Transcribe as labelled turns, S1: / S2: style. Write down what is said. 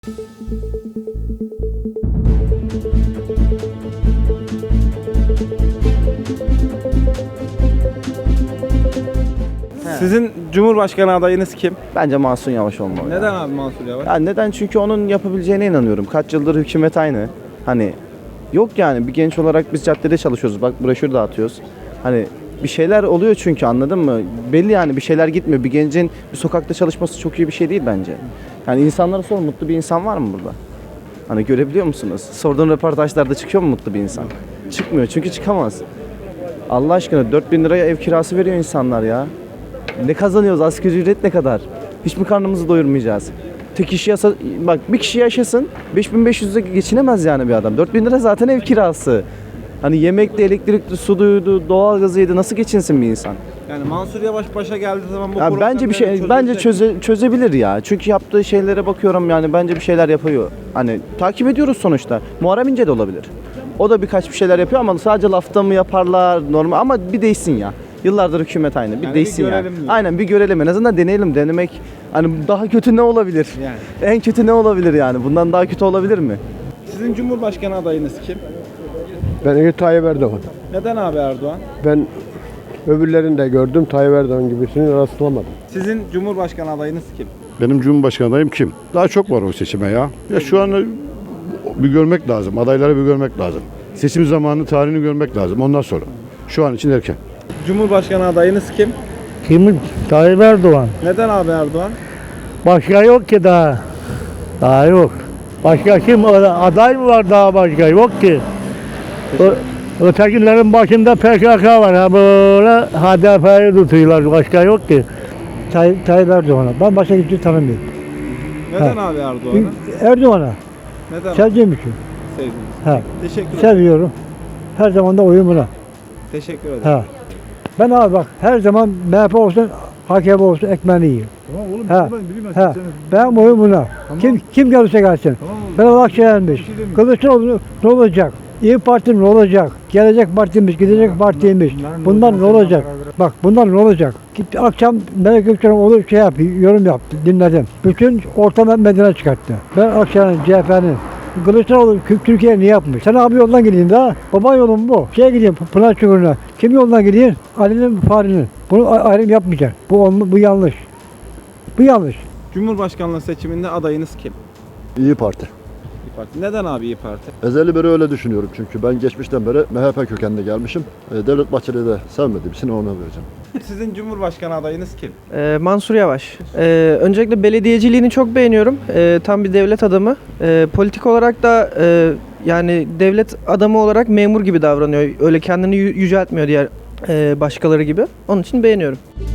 S1: Sizin Cumhurbaşkanı adayınız kim?
S2: Bence Mansur Yavaş olmalı.
S1: Neden abi Mansur Yavaş?
S2: Ya neden? Çünkü onun yapabileceğine inanıyorum. Kaç yıldır hükümet aynı. Hani yok yani bir genç olarak biz caddede çalışıyoruz. Bak broşür dağıtıyoruz. Hani bir şeyler oluyor çünkü, anladın mı? Belli yani bir şeyler gitmiyor. Bir gencin bir sokakta çalışması çok iyi bir şey değil bence. Yani insanlara sor, mutlu bir insan var mı burada? Hani görebiliyor musunuz? Sorduğun röportajlarda çıkıyor mu mutlu bir insan? Çıkmıyor çünkü çıkamaz. Allah aşkına 4.000 liraya ev kirası veriyor insanlar ya. Ne kazanıyoruz? Asgari ücret ne kadar? Hiç mi karnımızı doyurmayacağız? Tek kişi bak bir kişi yaşasın 5.500'e geçinemez yani bir adam. 4.000 lira zaten ev kirası. Hani yemekli, elektrikli, suydu, doğalgazıydı, nasıl geçinsin bir insan?
S1: Yani Mansur Yavaş başa geldiği zaman bu
S2: Ya bence bir şey çözebilir ya. Çünkü yaptığı şeylere bakıyorum, yani bence bir şeyler yapıyor. Hani takip ediyoruz sonuçta. Muharrem İnce de olabilir. O da birkaç bir şeyler yapıyor ama sadece lafta mı yaparlar normal, ama bir değişsin ya. Yıllardır hükümet aynı. Bir
S1: Yani
S2: değişsin
S1: bir
S2: yani.
S1: görelim diyor.
S2: Aynen, bir görelim. En azından deneyelim. Denemek hani daha kötü ne olabilir?
S1: Yani.
S2: En kötü ne olabilir yani? Bundan daha kötü olabilir mi?
S1: Sizin Cumhurbaşkanı adayınız kim?
S3: Ben Tayyip Erdoğan.
S1: Neden abi Erdoğan?
S3: Ben öbürlerini de gördüm. Tayyip Erdoğan gibisini rastlamadım.
S1: Sizin Cumhurbaşkanı adayınız kim?
S4: Benim Cumhurbaşkanı adayım kim? Daha çok var o seçime ya. Ya şu an bir görmek lazım. Adayları bir görmek lazım. Seçim zamanı tarihini görmek lazım. Ondan sonra. Şu an için erken.
S1: Cumhurbaşkanı adayınız kim?
S5: Kim? Tayyip Erdoğan.
S1: Neden abi Erdoğan?
S5: Başka yok ki daha. Daha yok. Başka kim? Aday mı var daha başka? Yok ki. Ötekilerin başında PKK var. Ha böyle HDP'yi tutuyorlar. Başka yok ki. Tayyip Erdoğan'a. Ben başka kimseyi tanımıyorum.
S1: Neden abi Erdoğan'ı?
S5: Erdoğan'a.
S1: Neden
S5: Sevdiğim için.
S1: sevdiniz?
S5: Ha.
S1: Teşekkür ederim.
S5: Seviyorum. Her zaman da oyumuna.
S1: Teşekkür ederim.
S5: Ha. Ben abi bak her zaman MHP olsun, AKP olsun ekmeğini yiyor.
S4: Tamam oğlum.
S5: Ha. Ben oyum buna. Kim gelirse gelsin. Ben Akşener'miş. Kılıçdaroğlu ne olacak? İyi Parti ne olacak? Gelecek partimiz, gidecek partimiz. Bunlar ne olacak? Bak bunlar ne olacak? Gitti akşam Melek Gökçen'e olur şey yapıyor, yorum yaptı, dinledim. Bütün orta medyana çıkarttı. Ben Akşener'in, CHP'nin. Kılıçdaroğlu Türkiye ne yapmış? Sen abi yoldan gideyim daha. Baba yolum bu. Gideyim Pınar Çukuru'na. Kim yoldan gideyim? Ali'nin, Fahri'nin. Bunu ayrım yapmayacak. Bu yanlış. Bu yanlış.
S1: Cumhurbaşkanlığı seçiminde adayınız kim?
S6: İyi Parti.
S1: İYİ Parti. Neden abi İYİ Parti?
S6: Ezeli beri öyle düşünüyorum çünkü ben geçmişten beri MHP kökenli gelmişim. Devlet Bahçeli'yi de sevmediğim için ona vereceğim.
S1: Sizin Cumhurbaşkanı adayınız kim?
S7: Mansur Yavaş. Öncelikle belediyeciliğini çok beğeniyorum. Tam bir devlet adamı. Politik olarak da yani devlet adamı olarak memur gibi davranıyor. Öyle kendini yüceltmiyor diğer başkaları gibi. Onun için beğeniyorum.